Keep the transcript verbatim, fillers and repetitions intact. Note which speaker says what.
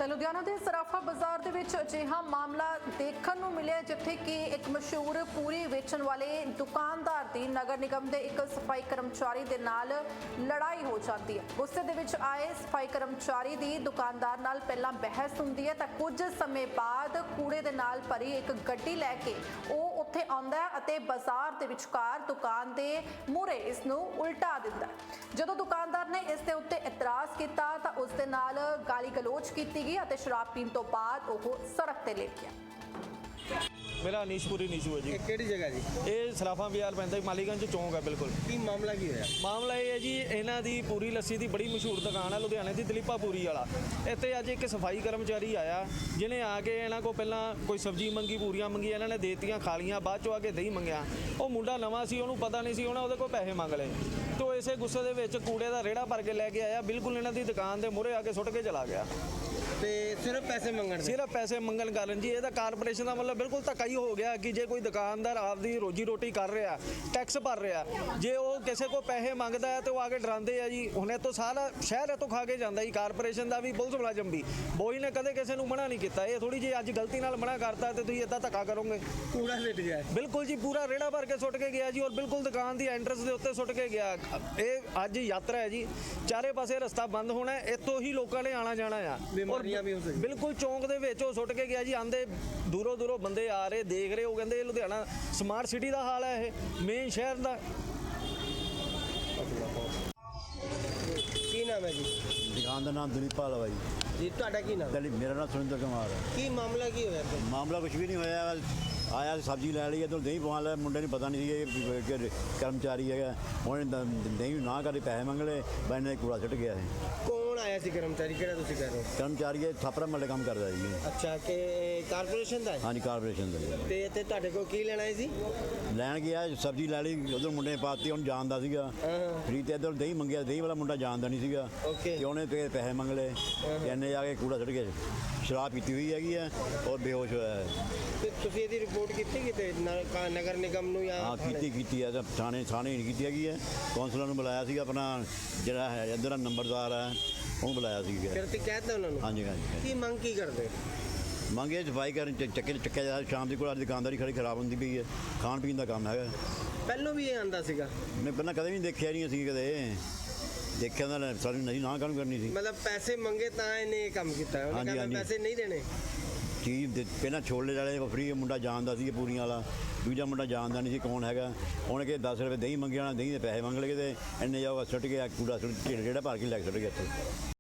Speaker 1: ਤਾਂ ਲੁਧਿਆਣਾ ਦੇ ਸਰਾਫਾ ਬਾਜ਼ਾਰ ਦੇ ਵਿੱਚ ਅਜਿਹਾ ਮਾਮਲਾ ਦੇਖਣ ਨੂੰ ਮਿਲਿਆ ਜਿੱਥੇ ਕਿ ਇੱਕ ਮਸ਼ਹੂਰ ਪੂਰੀ ਵੇਚਣ ਵਾਲੇ ਦੁਕਾਨਦਾਰ ਦੀ ਨਗਰ ਨਿਗਮ ਦੇ ਇੱਕ ਸਫਾਈ ਕਰਮਚਾਰੀ ਦੇ ਨਾਲ ਲੜਾਈ ਹੋ ਜਾਂਦੀ ਹੈ। ਗੁੱਸੇ ਦੇ ਵਿੱਚ ਆਏ ਸਫਾਈ ਕਰਮਚਾਰੀ ਦੀ ਦੁਕਾਨਦਾਰ ਨਾਲ ਪਹਿਲਾਂ ਬਹਿਸ ਹੁੰਦੀ ਹੈ ਤਾਂ ਕੁਝ ਸਮੇਂ ਬਾਅਦ ਕੂੜੇ ਦੇ ਨਾਲ ਭਰੀ ਇੱਕ ਗੱਡੀ ਲੈ ਕੇ ਉਹ ਉੱਥੇ ਆਉਂਦਾ ਹੈ ਅਤੇ ਬਾਜ਼ਾਰ ਦੇ ਵਿਚਕਾਰ ਦੁਕਾਨ ਦੇ ਮੂਹਰੇ ਇਸ ਨੂੰ ਉਲਟਾ ਦਿੰਦਾ ਹੈ। ਜਦੋਂ ਦੁਕਾਨਦਾਰ ਨੇ ਇਸ ਦੇ ਉੱਤੇ ਇਤਰਾਜ਼ ਕੀਤਾ ਤਾਂ ਉਸ ਦੇ ਨਾਲ ਗਾਲੀ ਗਲੋਚ ਕੀਤੀ ਗਈ ਅਤੇ ਸ਼ਰਾਬ ਪੀਣ ਤੋਂ ਬਾਅਦ ਉਹ ਸੜਕ ਤੇ ਲੇਟ ਗਿਆ।
Speaker 2: मेरा अनीशपुरी नीशू है जी।
Speaker 3: ਕਿਹੜੀ ਜਗ੍ਹਾ ਜੀ?
Speaker 2: ये सराफा बाजार पैंदा मालीगंज चौंक है बिल्कुल।
Speaker 3: ਕੀ ਮਾਮਲਾ ਕੀ ਹੋਇਆ?
Speaker 2: मामला ये है जी इन्हां दी पूरी लस्सी दी बड़ी मशहूर दुकान है लुधियाने की दलीपा पूरी वाला। इत्थे अज एक सफाई कर्मचारी आया जिन्हें आके इन्हां को पहला कोई सब्जी मंगी पूरियां मंगी इन्हां ने देतियां खा लियां बाद चों आके दही मंगया। वो मुंडा नवां सी उहनूं पता नहीं सी उहने उहदे कोल पैसे मंग लए तो इसे गुस्से दे विच कूड़े दा रेड़ा भर के लैके आया बिल्कुल इन्हां दी दुकान दे मूहरे आके सुੱਟ के चला गया।
Speaker 3: ਤੇ ਸਿਰਫ ਪੈਸੇ ਮੰਗਣ ਦੇ
Speaker 2: सिर्फ पैसे मंगन कारण जी ਇਹਦਾ ਕਾਰਪੋਰੇਸ਼ਨ ਦਾ ਮਤਲਬ ਬਿਲਕੁਲ ਧੱਕਾ ਹੀ ਹੋ ਗਿਆ ਕਿ ਜੇ ਕੋਈ ਦੁਕਾਨਦਾਰ ਆਪਦੀ ਰੋਜੀ ਰੋਟੀ ਕਰ ਰਿਹਾ ਟੈਕਸ ਭਰ ਰਿਹਾ ਜੇ ਉਹ ਕਿਸੇ ਕੋ ਪੈਸੇ ਮੰਗਦਾ ਹੈ ਤੇ ਉਹ ਆ ਕੇ ਡਰਾਉਂਦੇ ਆ ਜੀ ਹੁਣੇ ਤੋਂ ਸਾਰਾ ਸ਼ਹਿਰ ਇਹ ਤੋਂ ਖਾ ਕੇ ਜਾਂਦਾ ਜੀ ਕਾਰਪੋਰੇਸ਼ਨ ਦਾ ਵੀ ਪੁਲਿਸ ਮੁਲਾਜ਼ਮ ਵੀ ਬੋਈ ਨੇ ਕਦੇ ਕਿਸੇ ਨੂੰ ਮਨਾ ਨਹੀਂ ਕੀਤਾ ਇਹ ਥੋੜੀ ਜੀ ਅੱਜ ਗਲਤੀ ਨਾਲ ਮਨਾ ਕਰਤਾ ਤੇ ਤੁਸੀਂ ਇਦਾਂ ਧੱਕਾ ਕਰੋਗੇ।
Speaker 3: ਕੂੜਾ ਸਿੱਟ ਗਿਆ
Speaker 2: ਬਿਲਕੁਲ ਜੀ ਪੂਰਾ ਰੇੜਾ ਭਰ ਕੇ ਸੁੱਟ ਕੇ ਗਿਆ ਜੀ ਔਰ ਬਿਲਕੁਲ ਦੁਕਾਨ ਦੀ ਐਂਟਰੈਂਸ ਦੇ ਉੱਤੇ ਸੁੱਟ ਕੇ ਗਿਆ। ਇਹ ਅੱਜ ਯਾਤਰਾ ਹੈ ਜੀ ਚਾਰੇ ਪਾਸੇ ਰਸਤਾ ਬੰਦ ਹੋਣਾ ਇੱਥੋਂ ਹੀ ਲੋਕਾਂ ਨੇ ਆਣਾ ਜਾਣਾ ਆ
Speaker 3: ਬਿਮਾਰੀਆਂ ਵੀ ਹੋ ਸਕਦੀਆਂ
Speaker 2: ਬਿਲਕੁਲ ਚੌਂਕ ਦੇ ਵਿੱਚ ਉਹ ਸੁੱਟ ਕੇ ਗਿਆ ਜੀ ਆਂਦੇ ਦੂਰੋਂ ਦੂਰੋਂ ਬੰਦੇ ਆ ਰਹੇ ਦੇਖ ਰਹੇ ਉਹ ਕਹਿੰਦੇ ਇਹ ਲੁਧਿਆਣਾ ਸਮਾਰਟ ਸਿਟੀ ਦਾ ਹਾਲ ਹੈ ਇਹ ਮੇਨ ਸ਼ਹਿਰ ਦਾ।
Speaker 3: ਕੀ ਨਾਮ ਹੈ ਜੀ?
Speaker 4: ਦੁਕਾਨ ਦਾ ਨਾਮ ਦਲੀਪ ਵਾਲਾ ਵਾ ਜੀ।
Speaker 3: ਜੀ ਤੁਹਾਡਾ ਕੀ ਨਾਮ?
Speaker 4: ਦਲੀਪ ਮੇਰਾ ਨਾਮ ਸੁਰਿੰਦਰ ਕੁਮਾਰ ਹੈ।
Speaker 3: ਕੀ ਮਾਮਲਾ ਕੀ ਹੋਇਆ ਫਿਰ?
Speaker 4: ਮਾਮਲਾ ਕੁਝ ਵੀ ਨਹੀਂ ਹੋਇਆ ਆਇਆ ਸਬਜ਼ੀ ਲੈ ਲਈ ਇੱਧਰ ਦਹੀਂ ਪਵਾ ਲਿਆ ਮੁੰਡੇ ਨੂੰ ਪਤਾ ਨਹੀਂ ਸੀ ਕਿ ਕਰਮਚਾਰੀ ਹੈਗਾ ਉਹਨੇ ਦਹੀਂ ਨਾ ਕਰੇ ਪੈਸੇ ਮੰਗ ਲਏ ਬੈਨ ਨੇ ਕੂੜਾ ਸੁੱਟ ਗਿਆ ਹੈ।
Speaker 3: ਕੌਣ ਆਇਆ ਸੀ ਕਰਮਚਾਰੀ ਕਿਹੜਾ ਤੁਸੀਂ ਕਹਿ ਰਹੇ ਹੋ?
Speaker 4: ਕਰਮਚਾਰੀ ਇਹ ਥਾਪਰਾ ਮੱਲੇ ਕੰਮ ਕਰਦਾ ਜੀ।
Speaker 3: ਅੱਛਾ ਕਿ ਕਾਰਪੋਰੇਸ਼ਨ ਦਾ ਹੈ?
Speaker 4: ਹਾਂਜੀ ਕਾਰਪੋਰੇਸ਼ਨ ਦਾ।
Speaker 3: ਤੇ ਇੱਥੇ ਤੁਹਾਡੇ ਕੋਲ ਕੀ ਲੈਣਾ ਹੈ ਜੀ?
Speaker 4: ਲੈਣ ਗਿਆ ਸਬਜ਼ੀ ਲੈ ਲਈ ਉਧਰ ਮੁੰਡੇ ਨੇ ਪਾਤੀ ਉਹਨੂੰ ਜਾਣਦਾ ਸੀਗਾ ਖਰੀਦ ਤੇ ਇੱਧਰ ਦਹੀਂ ਮੰਗਿਆ ਦਹੀਂ ਵਾਲਾ ਮੁੰਡਾ ਜਾਣਦਾ ਨਹੀਂ ਸੀਗਾ ਤੇ ਉਹਨੇ ਤੇ ਪੈਸੇ ਮੰਗ ਲਏ ਤੇ ਇਹਨੇ ਜਾ ਕੇ ਕੂੜਾ ਸੁੱਟ ਗਿਆ। ਸ਼ਰਾਬ ਪੀਤੀ ਹੋਈ ਹੈਗੀ ਹੈ ਔਰ ਬੇਹੋਸ਼ ਹੋਇਆ ਹੈ।
Speaker 3: ਤੇ ਤੁਸੀਂ ਇਹਦੀ ਰਿਪੋਰਟ ਕੀਤੀ ਕਿਤੇ ਨਗਰ ਨਿਗਮ ਨੂੰ ਜਾਂ
Speaker 4: ਹਾਂ ਕੀਤੀ ਕੀਤੀ ਹੈ ਤਾਂ ਥਾਣੇ ਥਾਣੇ ਨਹੀਂ ਕੀਤੀ ਹੈਗੀ ਹੈ ਕੌਂਸਲਰ ਨੂੰ ਬੁਲਾਇਆ ਸੀ ਆਪਣਾ ਜਿਹੜਾ ਹੈ ਇੱਧਰ ਦਾ ਨੰਬਰਦਾਰ ਹੈ ਉਹਨੂੰ ਬੁਲਾਇਆ ਸੀ।
Speaker 3: ਫਿਰ ਤੇ ਕਹਿ ਦਿੱਤਾ ਉਹਨਾਂ ਨੂੰ?
Speaker 4: ਹਾਂਜੀ ਹਾਂਜੀ।
Speaker 3: ਕੀ ਮੰਗ ਕੀ ਕਰਦੇ?
Speaker 4: ਮੰਗੇ ਸਫਾਈ ਕਰਨ ਚ- ਚੱਕੇ ਚੱਕਿਆ ਜਾ ਸ਼ਾਮ ਦੀ ਕੋਲ ਦੁਕਾਨਦਾਰੀ ਖੜੀ ਖਰਾਬ ਹੁੰਦੀ ਪਈ ਹੈ ਖਾਣ ਪੀਣ ਦਾ ਕੰਮ ਹੈਗਾ।
Speaker 3: ਪਹਿਲੋਂ ਵੀ ਇਹ ਆਂਦਾ ਸੀਗਾ?
Speaker 4: ਮੈਂ ਪਹਿਲਾਂ ਕਦੇ ਵੀ ਨਹੀਂ ਦੇਖਿਆ ਨਹੀਂ ਅਸੀਂ ਕਦੇ ਦੇਖਿਆ ਤਾਂ ਸਾਨੂੰ ਨਹੀਂ ਨਾ ਕੰਮ ਕਰਨੀ ਸੀ।
Speaker 3: ਮਤਲਬ ਪੈਸੇ ਮੰਗੇ ਤਾਂ ਇਹਨੇ ਇਹ ਕੰਮ ਕੀਤਾ ਉਹਨੇ
Speaker 4: ਹਾਂਜੀ,
Speaker 3: ਕਹਿੰਦਾ
Speaker 4: ਹਾਂਜੀ।
Speaker 3: ਪੈਸੇ ਨਹੀਂ ਦੇਣੇ।
Speaker 4: ਚੀਜ਼ ਦੇ- ਪਹਿਲਾਂ ਛੋਲੇ ਵਾਲੇ ਫਰੀ ਮੁੰਡਾ ਜਾਣਦਾ ਸੀ ਪੂਰੀਆਂ ਵਾਲਾ ਦੂਜਾ ਮੁੰਡਾ ਜਾਣਦਾ ਨਹੀਂ ਸੀ ਕੌਣ ਹੈਗਾ ਉਹਨੇ ਕਿ ਦਸ ਰੁਪਏ ਦਹੀਂ ਮੰਗਿਆ ਦਹੀਂ ਦੇ ਪੈਸੇ ਮੰਗ ਲਏ ਤੇ ਇੰਨੇ ਜਾਊਗਾ ਸੁੱਟ ਗਿਆ ਕੂੜਾ ਸੁੱਟ ਜਿਹੜਾ ਭਰ ਕੇ ਲੈ ਕੇ ਸੁੱਟ ਗਿਆ ਇੱਥੇ।